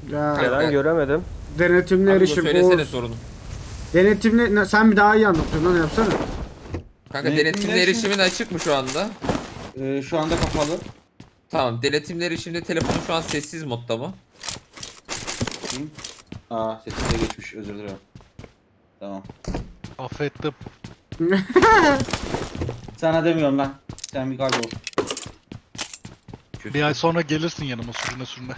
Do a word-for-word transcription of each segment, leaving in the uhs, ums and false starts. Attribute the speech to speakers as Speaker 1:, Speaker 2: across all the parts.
Speaker 1: Ya
Speaker 2: Neden göremedim?
Speaker 1: denetimli
Speaker 3: Abi bu
Speaker 1: erişim.
Speaker 3: söylesene
Speaker 1: Oğuz.
Speaker 3: sorunu.
Speaker 1: Denetimli ne- sen bir daha iyi anlatıyorsun lan yapsana.
Speaker 3: Kanka
Speaker 4: Ne-
Speaker 3: denetimli
Speaker 4: ne
Speaker 3: erişimin açık mı şu anda?
Speaker 4: Ee, şu anda kapalı.
Speaker 3: Tamam, denetimli erişimde telefonu şu an sessiz modda mı?
Speaker 4: Bakayım. Aa sesine geçmiş, özür dilerim. Tamam.
Speaker 5: Affettim.
Speaker 4: Sana demiyorum lan. Sen bir kaybol.
Speaker 5: Bir ay sonra gelirsin yanıma sürüne sürüne.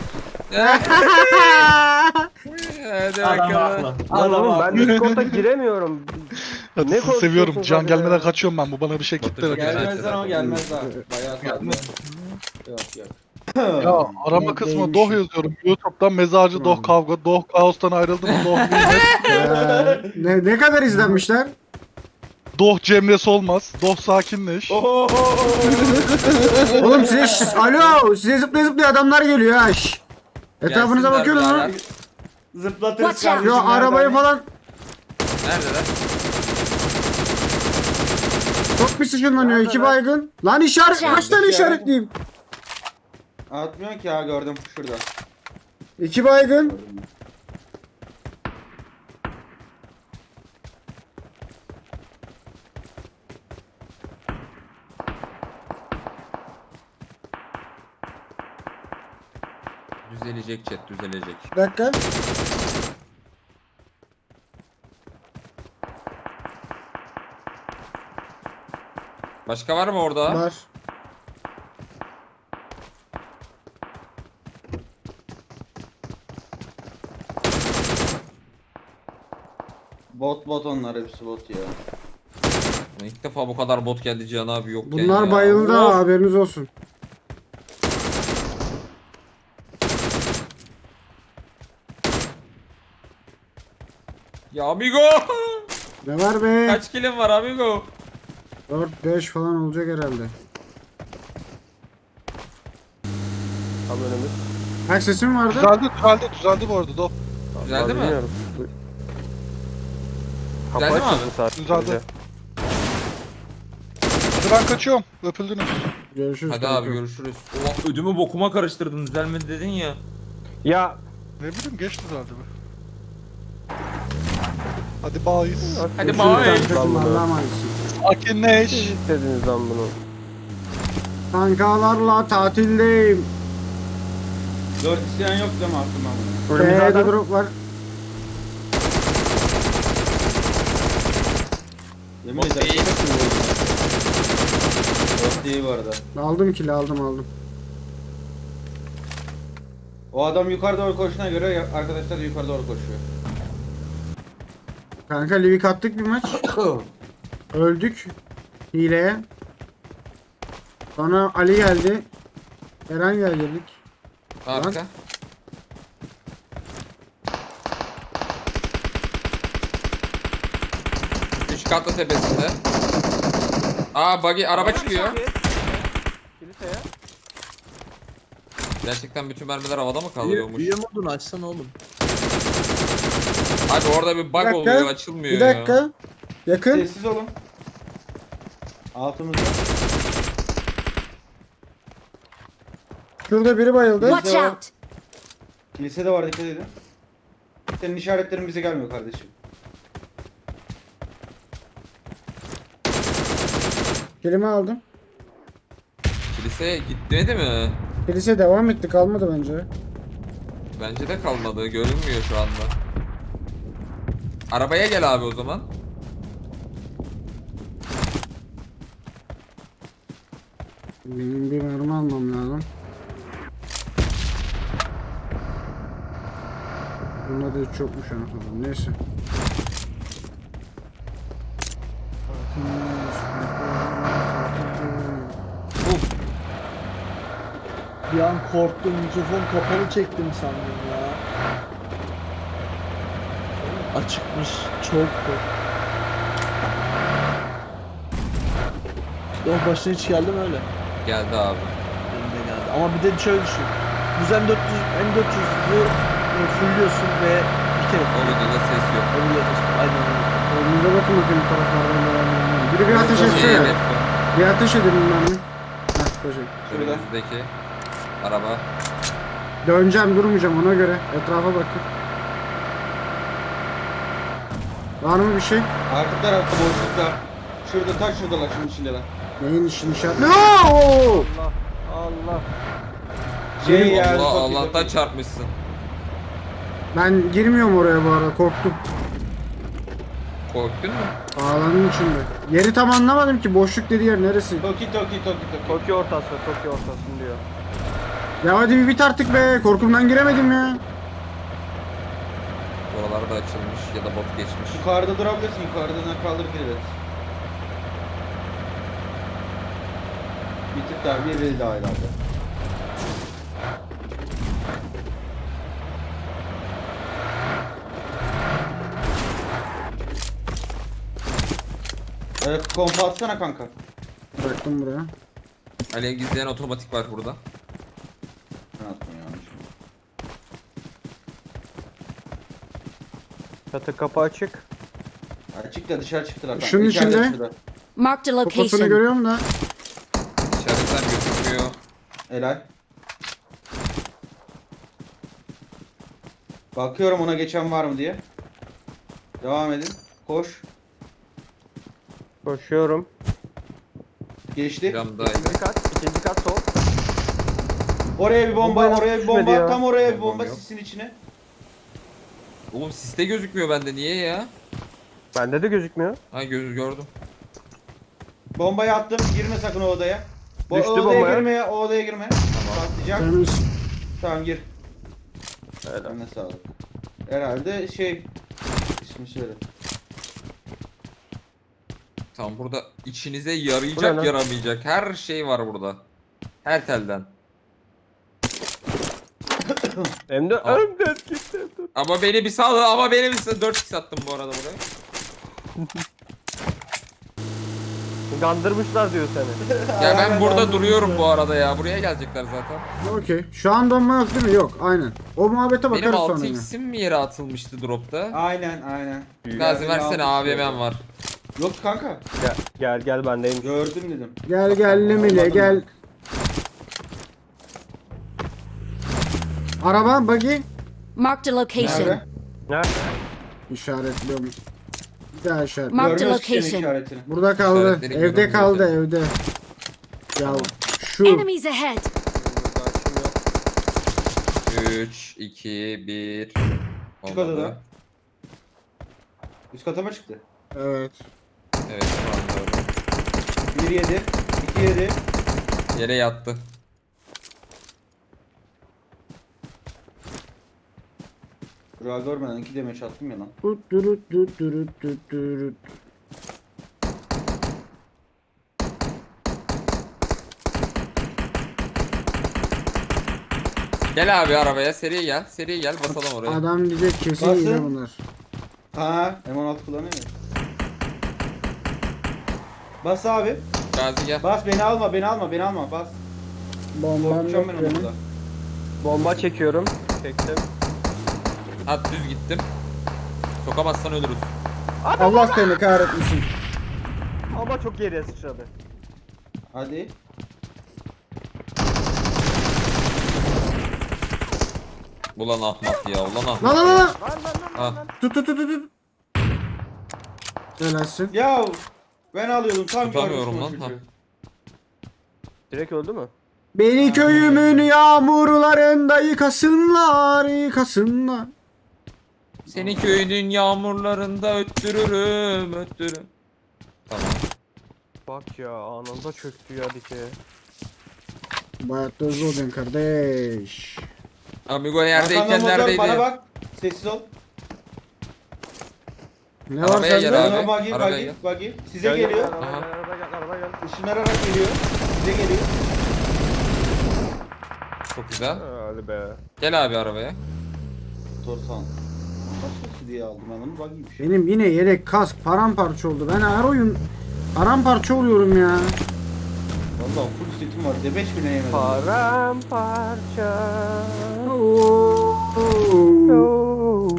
Speaker 3: Hadi
Speaker 4: Adam
Speaker 3: bakalım.
Speaker 4: haklı.
Speaker 2: Lan
Speaker 4: Adam
Speaker 2: oğlum ben
Speaker 4: haklı.
Speaker 2: Discord'a giremiyorum.
Speaker 5: Hadi
Speaker 2: Ne
Speaker 5: sizi seviyorum.
Speaker 2: konuşuyorsunuz
Speaker 5: Can
Speaker 2: abi
Speaker 5: gelmeden
Speaker 2: ya?
Speaker 5: kaçıyorum ben. Bu bana bir şey
Speaker 3: Batı
Speaker 5: kitle.
Speaker 3: çok
Speaker 5: Ya,
Speaker 4: Gelmezler ama gelmez daha. Bayağı kaldı. Yok yok.
Speaker 5: arama kısmı
Speaker 1: Neymiş?
Speaker 5: Doh yazıyorum. YouTube'dan mezarcı Doh kavga. Doh kaostan ayrıldım. Doh nimet.
Speaker 1: Ya, ne, ne kadar izlenmişler?
Speaker 5: Doh Cemre'si olmaz. Doh sakinleş.
Speaker 4: Oho.
Speaker 1: Oğlum size şş, alo size zıplaya zıplaya adamlar geliyor ha şş. Etrafınıza
Speaker 3: Gelsinler
Speaker 1: bakıyorsunuz mu?
Speaker 3: birader.
Speaker 4: Zıplatırız
Speaker 6: Watch out.
Speaker 4: kardeşim.
Speaker 1: Yo arabayı
Speaker 4: nereden?
Speaker 1: falan
Speaker 3: Neredeler?
Speaker 1: çok pis ışınlanıyor iki baygın. Lan işaret
Speaker 6: Watch out.
Speaker 1: kaç tane işaretleyeyim?
Speaker 4: Atmıyor ki ya, gördüm şurada.
Speaker 1: İki baygın.
Speaker 4: Gördüm.
Speaker 3: Düzelecek chat, düzelecek.
Speaker 1: Bir dakika.
Speaker 3: Başka var mı orada?
Speaker 1: Var.
Speaker 4: Bot bot onlar, hepsi bot ya.
Speaker 3: İlk defa bu kadar bot geldi Cihan abi yokken
Speaker 1: Bunlar
Speaker 3: ya.
Speaker 1: bayıldı ha,
Speaker 3: Of!
Speaker 1: haberiniz olsun.
Speaker 3: Ya amigo!
Speaker 1: Ne var be?
Speaker 3: Kaç kilim var amigo?
Speaker 1: dört beş falan olacak herhalde.
Speaker 2: Tam önümüz.
Speaker 1: Kaç sesim vardı?
Speaker 5: Düzeldi, düzeldi, düzeldi bu arada Doh.
Speaker 3: Düzeldi
Speaker 2: Ben
Speaker 3: mi?
Speaker 2: bilmiyorum. Kapı
Speaker 3: Düzeldi mi
Speaker 2: açıldı
Speaker 3: abi?
Speaker 2: sadece.
Speaker 5: Düzeldi. Hadi ben kaçıyorum. Öpüldünüz.
Speaker 1: Görüşürüz.
Speaker 3: Hadi
Speaker 1: kanka.
Speaker 3: abi görüşürüz. Ulan ödümü bokuma karıştırdın, düzelmedi dedin ya.
Speaker 2: Ya
Speaker 5: Ne bileyim geç düzeldi be. Hadi bye.
Speaker 3: Hadi
Speaker 1: Görüşürüz
Speaker 3: bye.
Speaker 1: kankacığım,
Speaker 2: Lan bunu.
Speaker 1: Allah'a emanetsin.
Speaker 5: Sakinleş.
Speaker 2: siz istediniz lan bunu.
Speaker 1: Kankalarla tatildeyim.
Speaker 4: Dört isteyen yok değil mi aklıma bunu?
Speaker 2: Önümüzde
Speaker 1: B'de
Speaker 2: adam.
Speaker 1: drop var.
Speaker 4: Yemin
Speaker 3: Bot
Speaker 4: ederim.
Speaker 3: değil.
Speaker 4: Bot değil bu arada.
Speaker 1: Aldım kili aldım aldım.
Speaker 4: O adam yukarı doğru koşuna göre ya- arkadaşlar da yukarı doğru koşuyor.
Speaker 1: Kanka Livik attık bir maç. Öldük. Hileye. Sonra Ali geldi. Eren geldik.
Speaker 3: Arka. Üç katlı tepesinde. Aa buggy araba çıkıyor.
Speaker 2: Kiliseye.
Speaker 3: Gerçekten bütün mermiler havada mı kalıyormuş?
Speaker 7: Büyü modunu açsana oğlum.
Speaker 3: Abi orada bir bug
Speaker 1: Bir dakika,
Speaker 3: oluyor, açılmıyor
Speaker 1: Bir dakika. Yakın.
Speaker 4: Sessiz olun. Altımızda.
Speaker 1: Şurada biri bayıldı.
Speaker 6: Watch out!
Speaker 4: Kilise de var, dikkat edin. Senin işaretlerin bize gelmiyor kardeşim.
Speaker 1: Kilimi aldım.
Speaker 3: Kiliseye gitmedi mi?
Speaker 1: Kilise devam etti kalmadı bence.
Speaker 3: Bence de kalmadı, görünmüyor şu anda. Arabaya gel abi o zaman.
Speaker 1: Benim bir mermi almam lazım. Bunda da hiç yokmuş anasını. Neyse.
Speaker 3: Uf.
Speaker 7: Bir an korktum, mikrofon kapalı çektim sandım ya. Açıkmış, çok korktum. Doğru başına hiç geldi mi öyle?
Speaker 3: Geldi abi.
Speaker 7: Benim de geldi. Ama bir de şöyle düşün. Düzen dört yüz, M dört yüz'ü fullliyorsun ve bir kere
Speaker 3: O videoda ses yok.
Speaker 7: fullliyorsun. Aynen öyle.
Speaker 1: Önümüze bakın bakayım taraflardan devam edelim. Biri bir ateş
Speaker 3: İyi,
Speaker 1: etse ya.
Speaker 3: evet.
Speaker 1: Bir ateş edelim ben mi? Heh, teşekkür.
Speaker 4: Şurada.
Speaker 3: Önümüzdeki araba.
Speaker 1: Döneceğim, durmayacağım ona göre. Etrafa bakın. Var mı bir şey?
Speaker 4: Arka tarafta boşlukta. Şurada taş şuradalar şunun içindeler.
Speaker 1: Neyin işini işaret? No!
Speaker 2: Allah. Allah.
Speaker 4: Şey ya.
Speaker 3: Allah
Speaker 4: çok iyi,
Speaker 3: Allah'tan
Speaker 4: çok iyi.
Speaker 3: çarpmışsın.
Speaker 1: Ben girmiyorum oraya bu arada, korktum.
Speaker 3: Korktun mu?
Speaker 1: Ağlanın içinde. Yeri tam anlamadım ki, boşluk dediği yer neresi?
Speaker 4: Toki toki toki toki.
Speaker 2: Tokyo ortası, Tokyo ortasın diyor.
Speaker 1: Ya hadi bir bit artık be, korkumdan giremedim ya.
Speaker 3: Buralar da açılmış ya da bot geçmiş.
Speaker 4: Yukarıda durabilirsin. Yukarıdan kaldır gireriz. Bir tık daha bir biri daha herhalde. Evet, kompa atsana kanka.
Speaker 1: Bıraktım buraya.
Speaker 3: Alev gizleyen otomatik var burada.
Speaker 4: Ben attım yanlış.
Speaker 2: Çatı kapı açık.
Speaker 4: Açık da dışarı çıktılar kanka.
Speaker 1: Şunun
Speaker 4: İçeride
Speaker 1: içinde.
Speaker 4: şurada.
Speaker 6: Marked a
Speaker 1: Kafasını
Speaker 6: location.
Speaker 1: görüyorum da.
Speaker 3: İşaretler gözükmüyor.
Speaker 4: Helal. Bakıyorum ona geçen var mı diye. Devam edin. Koş.
Speaker 2: Koşuyorum.
Speaker 4: Geçti.
Speaker 3: Camdaydı.
Speaker 2: İkinci kat, ikinci kat sol.
Speaker 4: Oraya bir bomba,
Speaker 2: Bomba
Speaker 4: oraya bir
Speaker 2: düşmedi
Speaker 4: bomba.
Speaker 2: ya.
Speaker 4: Tam oraya bir
Speaker 3: Bombam
Speaker 4: bomba
Speaker 3: yok.
Speaker 4: sisin içine.
Speaker 3: Oğlum siste gözükmüyor bende, niye ya?
Speaker 2: Bende de gözükmüyor.
Speaker 3: Ha göz gördüm.
Speaker 4: Bombayı attım. Girme sakın o odaya. Bu
Speaker 2: Düştü
Speaker 4: o odaya
Speaker 2: bombaya.
Speaker 4: girme ya. O odaya girme. Patlayacak.
Speaker 1: Temiz.
Speaker 4: Tamam gir.
Speaker 2: Helal.
Speaker 4: Eline sağlık. Herhalde şey ismi söyle.
Speaker 3: Tamam, burada içinize
Speaker 2: Bu ne
Speaker 3: yarayacak
Speaker 2: lan?
Speaker 3: yaramayacak her şey var burada. Her telden.
Speaker 2: Hem de
Speaker 3: Aa.
Speaker 2: hem de gitti.
Speaker 3: Ama beni bir sal, ama beni bir sal. dört x attım bu arada buraya.
Speaker 2: Kandırmışlar diyor seni.
Speaker 3: Ya ben
Speaker 4: Aynen,
Speaker 3: burada
Speaker 4: aynen.
Speaker 3: duruyorum bu arada ya. Buraya gelecekler zaten.
Speaker 1: Okey. Şu an donma yok değil mi? Yok. Aynen. O muhabbete
Speaker 3: Benim
Speaker 1: bakarız sonra
Speaker 3: altı
Speaker 1: yine.
Speaker 3: x'im mi yere atılmıştı dropta?
Speaker 4: Aynen aynen.
Speaker 3: Gazi versene, A V M'm var.
Speaker 4: Yok kanka.
Speaker 2: Gel gel, gel bendeyim.
Speaker 4: Gördüm dedim.
Speaker 1: Gel gel Limile
Speaker 4: Anladım
Speaker 1: gel. Araba, buggy.
Speaker 6: Marked a location.
Speaker 4: Nerede?
Speaker 2: Ne?
Speaker 1: İşaretliyorum. Bir daha işaret.
Speaker 6: Mark- Marked
Speaker 4: Görmüyoruz ki senin
Speaker 6: location.
Speaker 4: işaretini.
Speaker 1: Burada kaldı.
Speaker 3: İşaretleri
Speaker 1: Evde
Speaker 3: göremiyorum
Speaker 1: kaldı
Speaker 3: seni.
Speaker 1: evde. Ya şu.
Speaker 6: Enemies ahead.
Speaker 2: Burada açım yok.
Speaker 3: üç, iki, bir.
Speaker 4: Çık odadan. Üst kata mı çıktı?
Speaker 1: Evet.
Speaker 3: Evet, şu anda öyle.
Speaker 4: bir yedi. iki yedi.
Speaker 3: Yere yattı.
Speaker 4: Durağı görmeden iki demeç attım ya lan.
Speaker 1: Tut turut tut turut tut turut.
Speaker 3: Gel abi arabaya, seri gel. Seri gel, basalım oraya.
Speaker 1: Adam diyecek kesin
Speaker 4: Basın.
Speaker 1: yine bunlar.
Speaker 4: Ha, M on altı kullanıyor ya. Bas abi.
Speaker 3: Gazi gel.
Speaker 4: Bas beni alma, beni alma, beni alma. Bas.
Speaker 1: Bombam
Speaker 4: Korkacağım
Speaker 1: yok
Speaker 4: ben onu
Speaker 1: benim.
Speaker 4: burada.
Speaker 2: Bomba çekiyorum. Çektim.
Speaker 3: At düz gittim. Sokamazsan ölürüz.
Speaker 1: Allah seni kahretmesin.
Speaker 2: Ama çok geriye sıçradı.
Speaker 4: Hadi.
Speaker 3: Ulan ahmak ya, ulan ahmak.
Speaker 1: Lan lan lan.
Speaker 2: Lan lan lan.
Speaker 3: Ha,
Speaker 1: Tut tut tut tut. tut. Helalsin.
Speaker 4: Ya ben alıyordum tam
Speaker 3: tutamıyorum
Speaker 4: görmüştüm
Speaker 3: lan.
Speaker 4: o
Speaker 3: Ha.
Speaker 4: çocuğu.
Speaker 2: Direkt öldü mü?
Speaker 1: Beni köyümün yağmurlarında yıkasınlar, yıkasınlar.
Speaker 3: Seni köyünün yağmurlarında öttürürüm, öttürürüm. Tamam.
Speaker 2: Bak ya anında çöktü ya dike.
Speaker 1: Bayağı da hızlı olacaksın kardeş.
Speaker 3: Amigo yerdeyken
Speaker 4: Arkandan motor,
Speaker 3: neredeydi?
Speaker 4: bana bak. Sessiz ol.
Speaker 1: Ne var
Speaker 3: Arabaya gel
Speaker 1: sende?
Speaker 3: abi.
Speaker 4: Bana buggy,
Speaker 3: arabaya
Speaker 4: buggy,
Speaker 3: gel.
Speaker 4: buggy. Size
Speaker 2: Gel, gel,
Speaker 4: geliyor.
Speaker 2: gel,
Speaker 3: Aha.
Speaker 2: Araba gel, araba gel.
Speaker 4: Işınlanarak geliyor. Size geliyor.
Speaker 3: Çok güzel.
Speaker 2: Hadi be.
Speaker 3: Gel abi arabaya.
Speaker 4: Torsan. Başkası diye aldım ben onu, buggy'ymiş.
Speaker 1: Benim yine yelek kask paramparça oldu. Ben her oyun paramparça oluyorum ya.
Speaker 4: Valla full setim var. Debeş bile yemedim.
Speaker 2: Paramparça.
Speaker 1: Oo.
Speaker 2: Oo.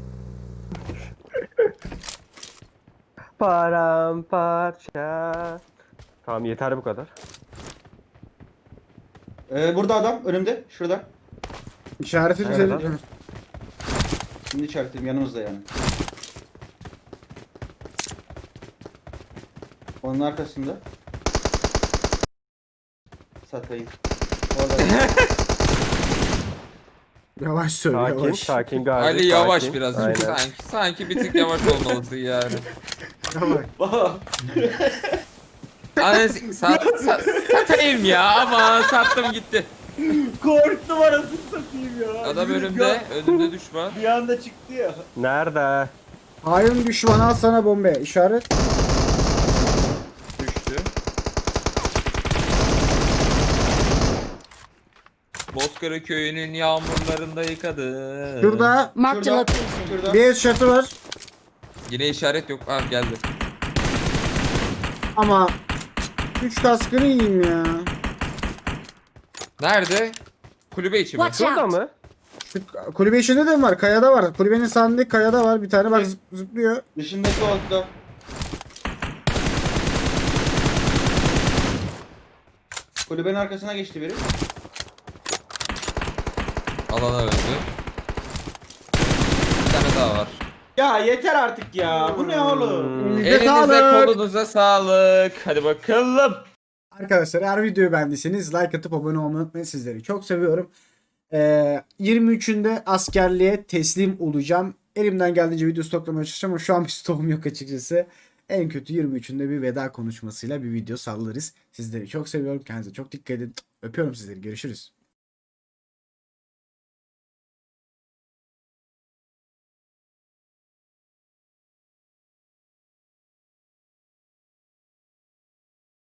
Speaker 2: Paramparça. Tamam yeter bu kadar.
Speaker 4: Ee, burada adam önümde. Şurada.
Speaker 1: İşareti
Speaker 2: Nerede
Speaker 1: güzel.
Speaker 2: lan?
Speaker 4: Şimdi işaretledim yanımızda yani. Onun arkasında. Satayım. Orada.
Speaker 1: Yavaş söyle
Speaker 2: Sakin,
Speaker 1: yavaş.
Speaker 2: sakin gayet.
Speaker 3: Ali yavaş
Speaker 2: sakin.
Speaker 3: biraz.
Speaker 2: Aynen.
Speaker 3: Sanki, sanki bir tık yavaş olmalısın yani.
Speaker 1: Yavaş.
Speaker 3: Anasını sat, sat, satayım ya ama sattım gitti.
Speaker 4: Korktum arasını satayım ya.
Speaker 3: Adam
Speaker 4: Yürü,
Speaker 3: önümde,
Speaker 4: ya.
Speaker 3: önümde düşman.
Speaker 4: Bir anda çıktı ya.
Speaker 2: Nerede?
Speaker 1: Hain düşman al sana bombe. İşaret.
Speaker 3: Düştü. Bozkır köyünün yağmurlarında yıkadı.
Speaker 1: Şurada
Speaker 6: Marked a
Speaker 4: Şurada.
Speaker 6: location.
Speaker 4: Şurada.
Speaker 1: bir headshot'ı var.
Speaker 3: Yine işaret yok. Ha geldi.
Speaker 1: Ama üç kaskını yiyeyim ya.
Speaker 3: Nerede? Kulübe içi mi?
Speaker 6: Watch
Speaker 2: Şurada
Speaker 6: out.
Speaker 2: mı?
Speaker 1: Şu kulübe içinde de mi var? Kayada var. Kulübenin sağındaki kayada var. Bir tane bak zıp- zıplıyor.
Speaker 4: Dışındaki altta. Kulübenin arkasına geçti biri.
Speaker 3: Alana öldü. Bir tane daha var.
Speaker 4: Ya yeter artık ya. Bu ne oğlum?
Speaker 1: Elinize
Speaker 3: Elinize
Speaker 1: sağlık.
Speaker 3: kolunuza sağlık. Hadi bakalım.
Speaker 1: Arkadaşlar eğer videoyu beğendiyseniz like atıp abone olmayı unutmayın. Sizleri çok seviyorum. Ee, yirmi üçünde askerliğe teslim olacağım. Elimden geldiğince video stoklamaya çalışacağım ama şu an bir stokum yok açıkçası. En kötü yirmi üçünde bir veda konuşmasıyla bir video sallarız. Sizleri çok seviyorum. Kendinize çok dikkat edin. Öpüyorum sizleri. Görüşürüz.